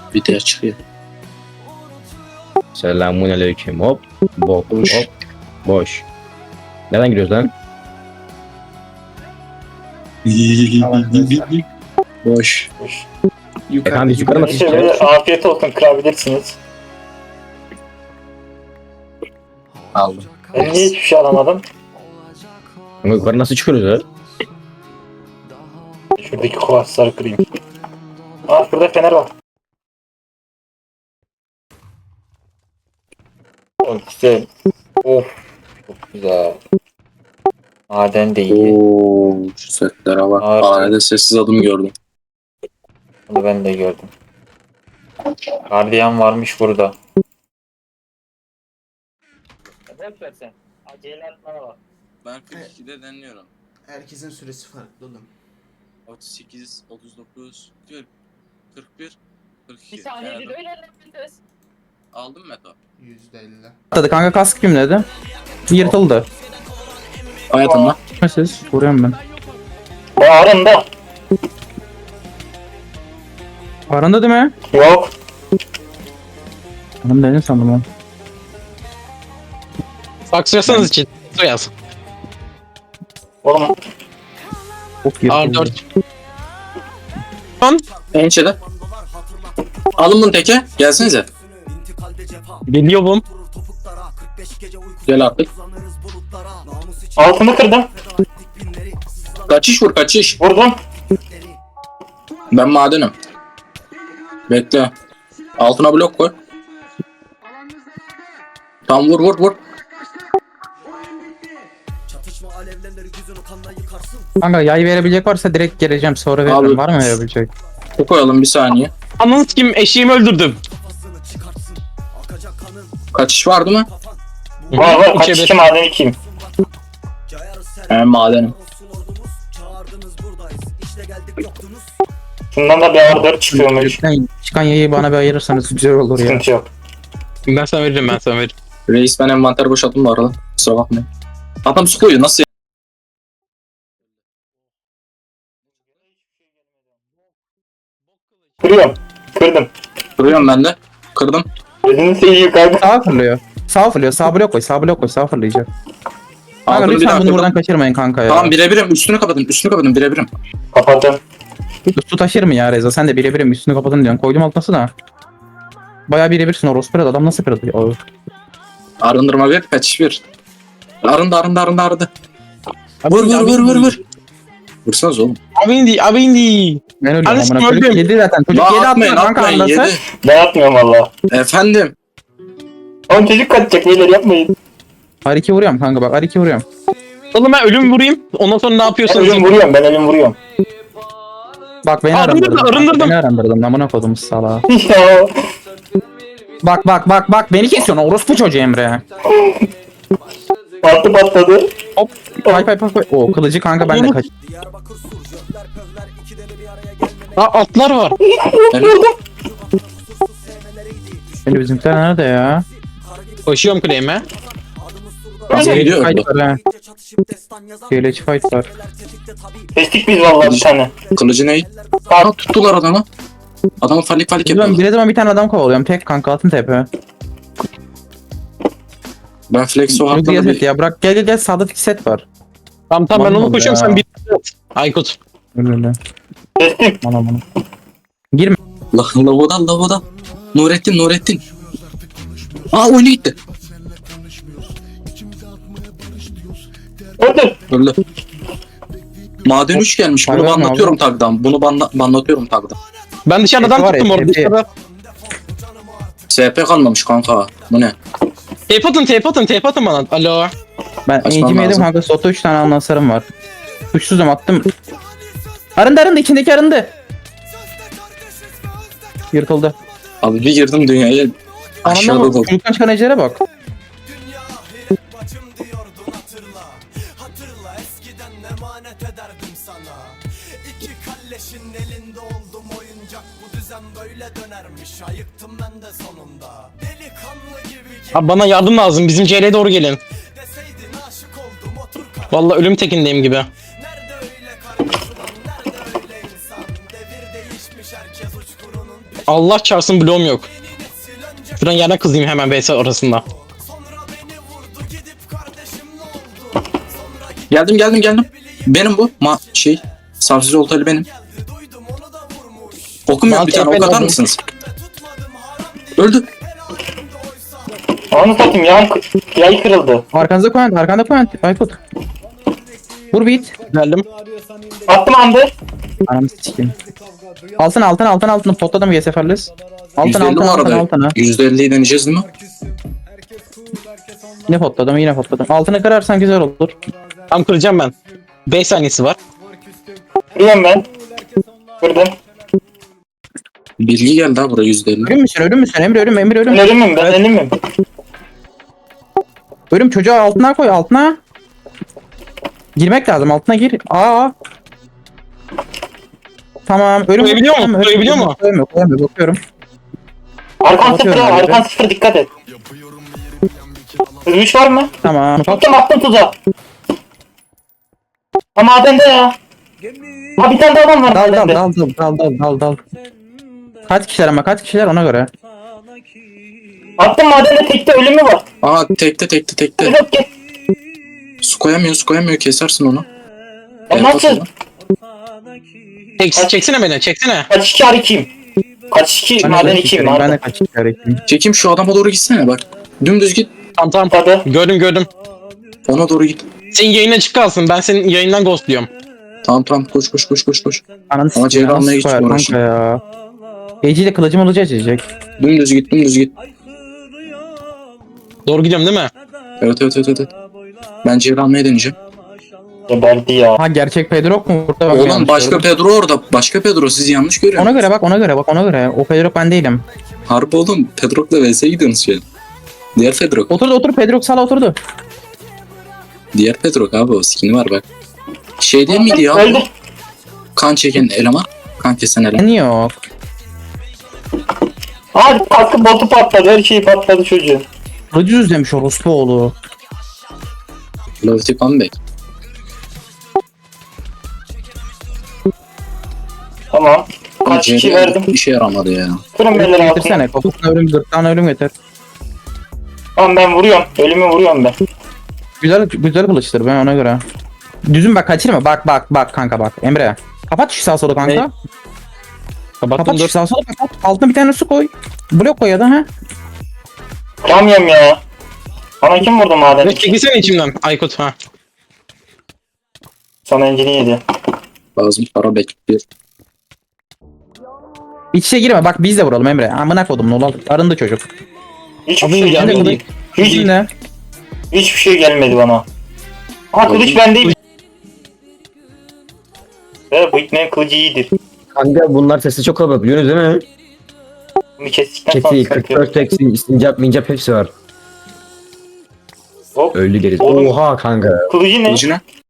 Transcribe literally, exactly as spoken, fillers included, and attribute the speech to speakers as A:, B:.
A: Video çıkıyor.
B: Selamünaleyküm. Hop. Bok.
A: Boş.
B: Hop. Boş. Nereden giriyoruz lan?
A: Boş.
B: Efendim yukarı nasıl
C: Neyse
B: çıkacağız?
C: böyle afiyet olsun, kırabilirsiniz.
A: Aldım.
C: Ben niye hiçbir şey alamadım?
B: Ama yukarı nasıl çıkıyoruz ya?
C: Şuradaki kuvarsları kırayım. Aa şurada fener var. Oh güzel. Of. Çok güzel. Maden de iyi.
A: Oo, şu setlere bak.
C: Abi.
A: Hanede sessiz adım gördüm.
C: Bunu ben de gördüm. Gardiyan varmış burada. Ne yapıyorsun sen? Acele etmene bak.
A: Ben kırk ikide deniyorum.
D: Herkesin süresi farklı oğlum.
A: otuz sekiz, otuz dokuz, kırk, kırk bir, kırk iki.
C: Bir saniye
A: Ayarladım.
C: bir öyle yapacağız.
A: Aldım Meto.
D: yüzde elli.
B: Atladı kanka kask kim dedi? Yırtıldı.
A: Hayatımda.
B: Siz vuruyorum ben.
C: Bağırında.
B: Aranda değil mi?
C: Yok.
B: Hanım dedin sandım ben.
E: Saksıyorsanız için yaz.
C: Oğlum
B: Çok
E: R
B: yırtıldı.
E: dört.
A: Ençede. Alın bunu teke. Gelsenize.
E: Geliyorum.
A: Gel artık.
C: altını kırdım.
A: Kaçış vur kaçış.
C: Vurdum.
A: Ben madenim. Bekle. Altına blok koy. Tam vur vur vur.
B: Kanka yay verebilecek varsa direkt geleceğim sonra veririm.
A: Abi.
B: Var mı verebilecek?
A: Bu koyalım bir saniye.
E: Ananı kim eşeğimi öldürdüm.
A: Kaçış vardı mı?
C: Var var kaç
E: İçeri-
C: iki maden ikiyim.
A: He madenim.
C: Şundan da bir ağır dört çıkıyormuş.
B: Lütfen çıkan yayı bana bir ayırırsanız güzel olur ya.
C: Sıkıntı yok.
E: Ben sana veririm ben sana veririm.
A: Reis ben envanter boşalttım bu arada. Kusura bakmayın. Adam su koyuyor nasıl ya?
C: Kırıyorum. Kırdım.
A: Kırıyorum ben de. Kırdım.
C: Gözünü seveyim kanka.
B: Sağ fırlıyor. Sağ fırlıyor. Sağ blok koy. Sağ blok koy. Sağ fırlayacak. Kanka
A: Altını bir
B: lütfen
A: daha
B: bunu
A: kırdım.
B: buradan kaçırmayın kanka ya.
A: Tamam birebirim. Üstünü kapatın. Üstünü kapatın birebirim.
C: Kapattım.
B: Su taşır mı ya Reza? Sen de birebirim üstünü kapatın diyorsun. Koydum altına da. Bayağı birebirsin orospu kırdı. Adam nasıl kırdı? O.
A: Arındırma bir. Kaçış bir. Arındı arındı arındı arındı. Vur vur vur vur vur. Vursanız oğlum.
E: Abi indi abi indi.
B: Ben ölüyorum
E: Anasını
B: amına koyayım.
E: öldüm.
B: Yedi zaten. Çocuk
A: La
B: yedi
A: atmayın
B: atmıyor kanka
A: atmayın
B: andası.
A: yedi.
C: Ben atmıyorum valla.
A: Efendim.
C: Oğlum çocuk kaçacak beyler yapmayın.
B: R iki vuruyorum kanka bak R iki vuruyorum.
E: Oğlum ben ölüm vurayım. Ondan sonra ne
C: Ben
E: yapıyorsanız
C: ölüm
E: yapın.
C: vuruyorum ben ölüm vuruyorum.
B: Bak beni
E: Arındırdım,
B: arındırdın.
E: arındırdım.
B: Beni arındırdın. Amına koydum salağa.
C: Ya.
B: Bak bak bak bak beni kesiyorsun orospu çocuğu Emre.
C: Patlı patladı.
B: Hop. Pay pay pay pay. O kılıcı kanka ben de kaç.
E: Aa atlar var.
A: Evet.
B: Şimdi bizimkiler nerede ya?
E: Koşuyorum kuleyime.
A: Nasıl gidiyor?
B: Fight var ha. Geleç fight var.
C: Kestik biz valla bir tane.
A: Kılıcı ne? Aa tuttular adamı. Adamı falik falik
B: Ben
A: yapıyorlar.
B: bir zaman bir tane adam kovalıyorum. Tek kanka altın tepe.
A: Ben flex o
B: Çok
A: hakkında
B: iyi set
A: bir...
B: ya. Bırak gel gel gel sağda iki set var.
E: Tamam tamam ben
B: Aman
E: onu koşuyorum
B: ya.
E: sen bir Aykut.
B: Öyle öyle.
C: Kestik.
B: Bana bana. Girme.
A: La, lavodan lavodan. Nurettin Nurettin. Aa oyunu gitti.
C: Öldür.
A: Öldü. Maden üç gelmiş. Bunu
B: Pardon abi.
A: banlatıyorum tagdan. Bunu banla banlatıyorum tagdan.
E: Ben dışarıdan
B: Tepe var ya,
E: tuttum orada
B: tepe.
E: dışarıda.
A: S P kalmamış kanka. Bu ne?
E: Tape atın tape atın tape atın bana. Alo.
B: Ben
A: Açmam
B: eğitim yedim
A: lazım.
B: kanka. Soto üç tane anlasarım var. Suçsuzum attım. Arındı arındı içindeki arındı. Yırtıldı.
A: Abi bir girdim dünyaya. Aşağıda
B: Anlamı
A: dolu.
B: çocuktan çıkan ecelere bak.
F: Hatırla eskiden emanet ederdim sana. İki kalleşin elinde oldum oyuncak. Bu düzen böyle dönermiş. Ayıktım ben de sonunda. Delikanlı gibi
E: Abi bana yardım lazım. Bizim C L'ye doğru gelin.
F: deseydin aşık oldum otur kal.
E: Vallahi ölüm tekindeyim gibi.
F: Nerede öyle kardeşim nerede öyle insan. Devir değişmiş herkes uçkurunun peşinde.
E: Allah çarpsın bloğum yok. Şuradan yerden kızayım hemen B S arasında.
A: Geldim geldim geldim. Benim bu. Ma şey. Savsız oltalı benim. Okum yok bir tane ok atar mısınız? Öldü.
C: Onu satayım ya. Yay kırıldı.
B: Arkanıza koyan, arkanda koyan. Aykut. Vur beat.
E: Geldim.
C: Attım andı.
B: Ananı sikeyim. Altın altın altın altın potladım G seferles. Altın
A: yüzde elli
B: altın
A: bu
B: altın
A: arada.
B: altın ha.
A: yüzde elliyi deneyeceğiz değil mi?
B: Yine potladım yine potladım. Altını kırarsan güzel olur.
E: Tam kıracağım ben. beş saniyesi var.
C: Kırıyorum ben. Kırdım.
A: Bilgi geldi ha buraya yüzde elli.
B: Ölüm müsün ölüm müsün Emre ölüm Emre ölüm.
C: Ben ölümüm ben ölümüm.
B: Ölüm çocuğu altına koy altına. Girmek lazım altına gir. Aa. Tamam ölüm.
E: Koyabiliyor mu?
B: Tamam, ölüm.
E: Koyabiliyor mu?
B: Koyamıyor koyamıyor bakıyorum.
C: Arkan
B: Bakıyorum
C: sıfır
B: ben de.
C: arkan sıfır dikkat et. Hızmış var mı?
B: Tamam. Bak.
C: Attım attım tuzağa. Ha madende ya. Ha bir tane daha adam var
B: Dal dal
C: madende.
B: dal dal dal dal dal. Kaç kişiler ama kaç kişiler ona göre.
C: Attım madende tekte ölümü var.
A: Aa tekte tekte tekte.
C: Yok git.
A: Su koyamıyor su koyamıyor kesersin onu.
C: Ya
A: Evet,
C: nasıl?
A: atalım.
E: Çek, çeksene beni çeksene.
C: Kaç iki ar ikiyim. Kaç iki
B: Ben de
C: maden
B: kaç
C: ikiyim
B: kişilerim, Ben de
C: maden.
B: kaç kişilerim.
A: Çekim şu adama doğru gitsene bak. Dümdüz git.
E: Tamam tamam.
C: Hadi.
E: Gördüm gördüm.
A: Ona doğru git.
E: Senin yayın açık kalsın. Ben senin yayından ghostluyorum.
A: Tamam tamam koş koş koş koş koş.
B: Ananı
A: Ama
B: sikeyim,
A: Ceylan'la
B: nasıl
A: hiç
B: koyar
A: uğraşın.
B: kanka ya. Eci ile kılıcım ılıcı açacak.
A: Dümdüz git dümdüz git.
E: Doğru gidiyorum değil mi?
A: Evet evet evet evet. Ben çevre almaya deneyeceğim.
C: Geberdi ya.
B: Ha gerçek Pedro mu burada? Bak,
A: Oğlum
B: yanlış
A: başka
B: gördüm.
A: Pedro orada. Başka Pedro siz yanlış
B: Ona
A: görüyorsunuz.
B: göre bak ona göre bak ona göre. O Pedro ben değilim.
A: Harbi oğlum Pedro'la V S'ye gidiyorsunuz şu an. Diğer Pedro.
B: Oturdu otur Pedro sala oturdu.
A: Diğer Pedro abi o skin'i var bak. Şey değil miydi ya?
C: Öldü.
A: Kan çeken eleman. Kan kesen eleman.
B: Niye yok?
C: Hadi kaskı botu patladı. Her şey patladı çocuğun.
B: Kılıcı düzlemiş orospu oğlu.
A: Lofty comeback.
C: Tamam. Kaç kişi verdim.
A: İşe yaramadı ya.
C: Kırın beyler altına.
B: Getirsene kafasına ölüm gırtlağına ölüm getir.
C: Tamam ben vuruyorum. Ölümü vuruyorum ben.
B: Güzel güzel kılıçtır ben ona göre. Düzün bak kaçırma bak bak bak kanka bak Emre. Kapat şu sağ solu kanka.
E: Ne? Kapattım
B: Kapat şu
E: dur.
B: sağ solu kapat. Altına bir tane su koy. Blok koy ya da ha.
C: Kıramıyorum ya. Bana kim vurdu maden?
E: Ne çekilsene içimden Aykut ha.
C: Sana encini yedi.
A: Lazım para bekliyor.
B: İç içe girme bak biz de vuralım Emre. Amına kodum ne olur. Arındı çocuk.
C: Hiçbir
E: Abi
C: şey
E: geldi
C: gelmedi.
E: değil.
C: Hiç,
B: Şimdi
C: hiçbir şey gelmedi bana. Ha kılıç bendeyim. Evet bu iknenin kılıcı iyidir.
G: Kanka bunlar sesi çok kalabalık biliyorsunuz değil mi?
C: Bunu kestikten sonra
G: Çeti,
C: sıkıntı yok.
G: kırk dört tek, sincap, mincap hepsi var.
C: Hop.
G: Öldü gerisi.
C: Oğlum.
G: Oha kanka.
C: Kılıcı ne?
A: Kılıcı ne?